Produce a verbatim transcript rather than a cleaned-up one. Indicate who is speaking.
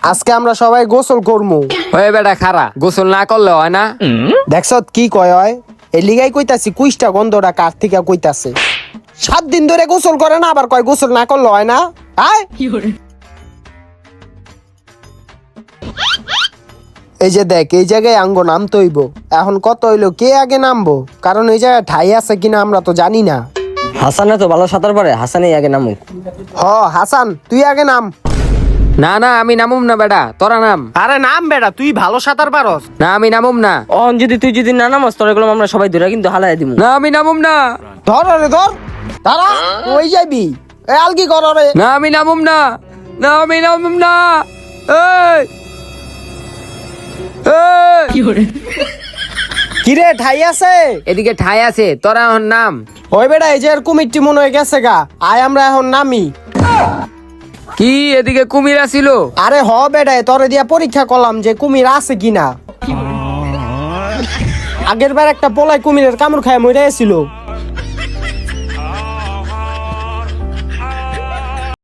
Speaker 1: আজকে আমরা সবাই গোসল করমু।
Speaker 2: ওই বেটা খারা, গোসল না করলে হয় না?
Speaker 1: দেখছ কি কয় হয়? এই লিগাই কইতাছি কুইষ্টা গন্ধটা কার থেকে কইতাছে। সাত দিন ধরে গোসল করে না, আবার কয় গোসল না করলে হয় না? আয় এই যে দেখ, এই জায়গায় আঙ্গ নামতে হইব। এখন কত হইলো, কে আগে নামবো? কারণ এই জায়গায় ঠাই আছে কিনা আমরা তো জানি না।
Speaker 3: হাসানে তো ভালো সাঁতার পারে, হাসানেই আগে নামুক।
Speaker 1: হ হাসান, তুই আগে নাম।
Speaker 2: না না, আমি নামুম না বেটা, তোরা নাম।
Speaker 1: আরে নাম বেটা, তুই ভালো সাঁতার পারস।
Speaker 2: না আমি নামুম না।
Speaker 3: অন যদি তুই যদি না নামাস তোর এগুলো আমরা সবাই ধরে কিন্তু হালাই দিব।
Speaker 2: না আমি নামুম না।
Speaker 1: ধর রে ধর, দাঁড়া, ওই যাবি। এ আলকি কর রে।
Speaker 2: না আমি নামুম না। না আমি নামুম না। এই এই
Speaker 1: কিরে ঠাই আছে?
Speaker 2: এদিকে ঠাই আছে, তোরা এখন নাম।
Speaker 1: ওই বেটা, এই যে এর কুমিরটি মনে হয়ে গেছে গা। আয় আমরা এখন নামি।
Speaker 2: কি এদিকে কুমির আসিল?
Speaker 1: আরে হ বেটা, তোরে দিয়া পরীক্ষা করলাম যে কুমির আছে কিনা। আগের বার একটা পোলাই কুমিরের কামড় খায় মরে ছিল।